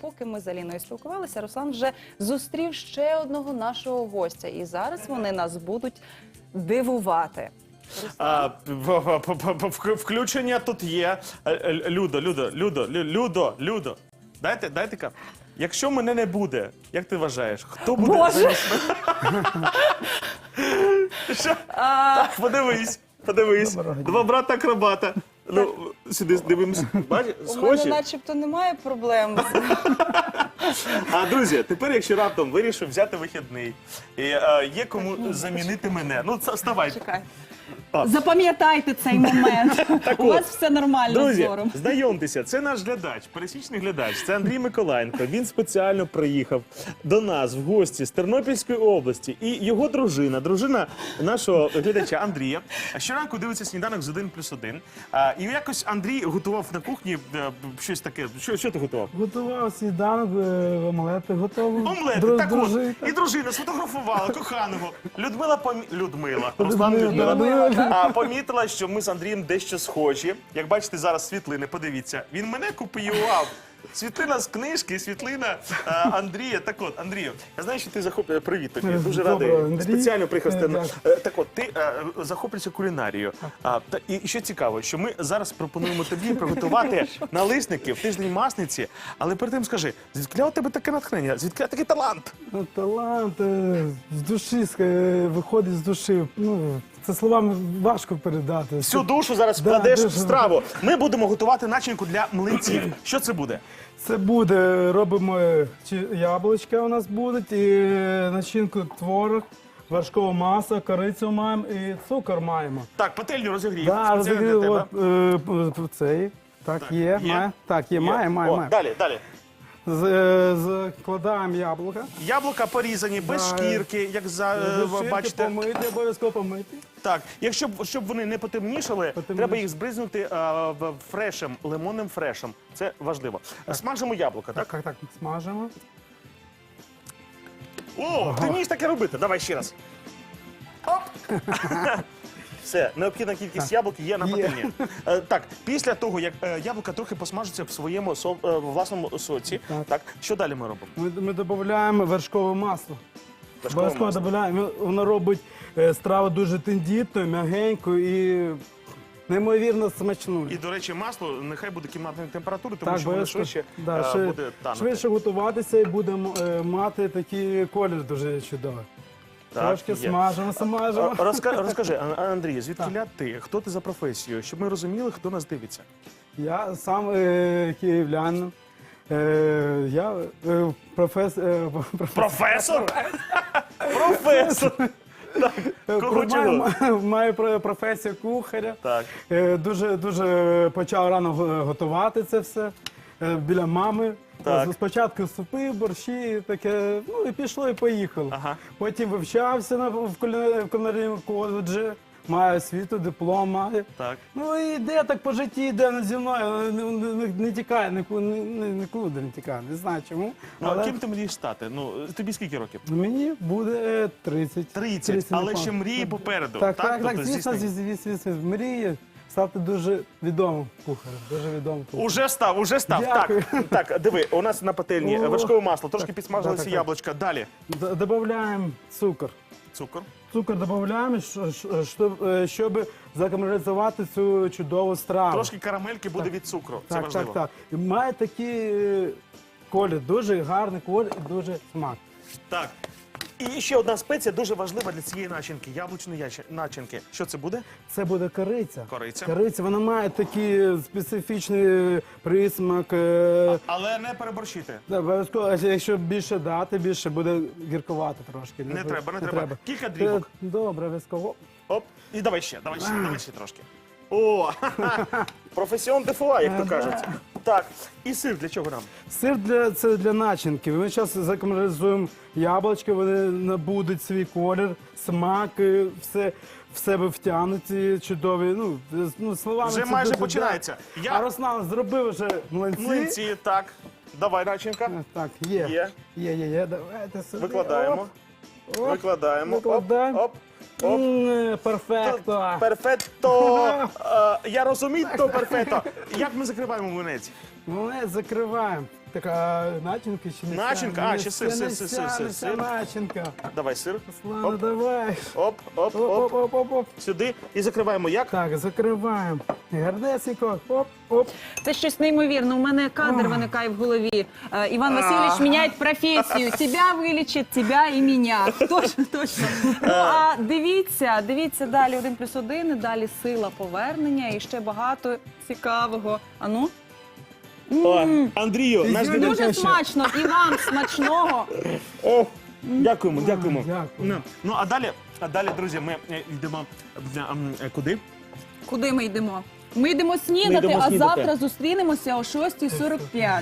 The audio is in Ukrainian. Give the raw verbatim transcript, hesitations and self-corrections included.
поки ми з Аліною спілкувалися, Руслан вже зустрів ще одного нашого гостя. І зараз вони нас будуть дивувати. А, в- в- в- в- Включення тут є. Е, е, Людо, Людо, Людо, Лю- Людо, Людо. Дайте, дайте ка. Якщо мене не буде, як ти вважаєш, хто буде? Боже! замість мене? Що? Так, подивись, подивись. Два брата-акробата. Ну, сюди дивимося. Бачиш, У мене схожі. начебто немає проблем. А, друзі, тепер, якщо раптом вирішив взяти вихідний, і е, є кому замінити мене, ну, це- вставай. Чекай. Запам'ятайте цей момент. У вас все нормально з Друзі, зором. знайомтеся, це наш глядач, пересічний глядач, це Андрій Миколаєнко. Він спеціально приїхав до нас в гості з Тернопільської області. І його дружина, дружина нашого глядача Андрія, щоранку дивиться сніданок з один плюс один. А, і якось Андрій готував на кухні е, щось таке. Що, що ти готував? Готував сніданок, е, омлети готові. Омлети, Дру- так от. дружи- І дружина сфотографувала коханого. Людмила помі... Людмила. Руслан Людмила, Людмила. Людмила. А, помітила, що ми з Андрієм дещо схожі. Як бачите, зараз світлини, подивіться. Він мене копіював. Світлина з книжки, світлина а, Андрія. Так от, Андрію, я знаю, що ти захоплюєш. Привіт тобі. Дуже радий. Доброго, Андрій. Спеціально приїхав. з Е, Терно- дякую. Е, Так от, ти е, захоплюєшся кулінарією. А, та, і що цікаво, що ми зараз пропонуємо тобі приготувати налисники в тиждень масниці. Але перед тим скажи, звідки у тебе таке натхнення? Звідки такий талант? Ну, талант е, з душі, е, виходить з душі. Ну, це словами важко передати. Всю душу зараз Да, вкладеш в дуже. страву. Ми будемо готувати начинку для млинців. Що це буде? Це буде, робимо е, чи- яблучка у нас будуть, і е, начинку творог, вершкове масло, корицю маємо і цукор маємо. Так, пательню розігрів. Да, Спеціально розігрів, для от, тебе. е, п- п- цей. Так, Так, є, є? має. Так, є, має, має, О, має. Далі, далі. З- е, Закладаємо яблука. Яблука порізані, без Да. шкірки, як за, е, ви Ширки бачите. помити, обов'язково помити. Так, якщо б- щоб вони не потемнішали, Потемніше. треба їх збризнути е, в- фрешем, лимонним фрешем. Це важливо. Смажимо яблука, так? Так, так, смажимо. О, ти вмієш таке робити. Давай ще раз. Оп! Все, необхідна кількість яблук є на Є. пательні. Е, Так, після того, як е, яблука трохи посмажаться в своєму со- е, власному соці, Так. так, що далі ми робимо? Ми, ми додаємо вершкове масло. Вершкове Обов'язково масло. додаємо. Воно робить е, страву дуже тендітною, м'ягенькою і неймовірно смачною. І, до речі, масло нехай буде кімнатної температури, тому Так, що воно обов'язково. швидше Да, е, шви- буде танути. швидше готуватися і будемо е, мати такий колір дуже чудовий. Так, Трошки є. смажимо, смажимо. А, Розка- Розкажи, Ан- Андрій, звідки ти? Хто ти за професією? Щоб ми розуміли, хто нас дивиться. Я сам е, київлянин. Е, я е, профес, е, Професор? Професор! Так, кого Маю, чого? маю, маю про- професію кухаря. Так. Е, Дуже, дуже почав рано го- готувати це все е, біля мами. Так. З- Спочатку супи, борщі, таке, ну і пішло, і поїхало. Ага. Потім вивчався на, в куліна- в кулінарному коледжі, маю освіту, диплом маю. Так. Ну і йде так по житті, йде зі мною, не, не, не, не тікає, нікуди, не, нікуди не тікає, не знаю чому. Ну, а але ким ти мрієш стати? Ну, тобі скільки років? мені буде тридцять. тридцять, але напевно. ще мрії попереду. Так, так, так, Тобто звісно, здійснення. звісно, звісно, мріє стати дуже відомим кухарем, дуже відомим кухарем. Уже став, уже став. Дякую. Так, так, диви, у нас на пательні О, вершкове масло, трошки так, підсмажилися так, так, так. яблучка. Далі. Д- Додаємо цукор. Цукор. Цукор додаємо, щоб, е, щоб закамералізувати цю чудову страву. Трошки карамельки буде від цукру. Це так, важливо. так, так. І має такий е, колір, дуже гарний колір і дуже смак. Так. І ще одна спеція дуже важлива для цієї начинки, яблучної яч- начинки. Що це буде? Це буде кориця. Кориця. Кориця, вона має такий специфічний присмак. е, Але не переборщити. Да, обов'язково, а якщо більше дати, більше буде гіркувати трошки. Не треба, не треба. Кілька дрібок. Е, Добре, обов'язково. Оп. І давай ще, давай ще, давай ще трошки. О, професіон де фуа, як то кажуть. Так, і сир для чого нам? Сир для, це для начинки. Ми зараз закамералізуємо яблучки, вони набудуть свій колір, смак, е, все в себе втягнуті, чудові. Ну, е, ну словами Вже це майже дуже, починається. да. Я- А Руслан зробив вже млинці. Млинці, так. Давай, начинка. Е, Так, є. Є. Є, є, є. Давайте сюди. Викладаємо. Оп, оп. Викладаємо. Оп, Викладаємо. оп, оп. М, е, Перфекто. Перфетто. Е, Я розумію, то перфетто. Як ми закриваємо млинець? Ми закриваємо. Така начинка ще не Начинка? вся. А, Не ще сир, вся, сир, не сир, вся, сир, не сир, вся сир. начинка. Давай сир. Слава, Оп. давай. Оп, оп, Оп, оп. оп, оп, оп. Сюди і закриваємо як? Так, закриваємо. Гарнесенько. Оп, оп. Це щось неймовірне. У мене кадр виникає в голові. Е, Іван Васильович міняє професію. Тебя вилічить, тебя і мене. Точно, точно. Ну, а дивіться, дивіться далі один плюс один, далі сила повернення і ще багато цікавого. А ну? О, Андрію, наш Дуже глядач. Дуже смачно. І вам смачного. О, дякуємо, дякуємо. Дякую. Ну, ну а далі, а далі, друзі, ми е, йдемо е, м, е, куди? Куди ми йдемо? Ми йдемо снідати, Ми йдемо а снідати. завтра зустрінемося о шостій сорок п'ять.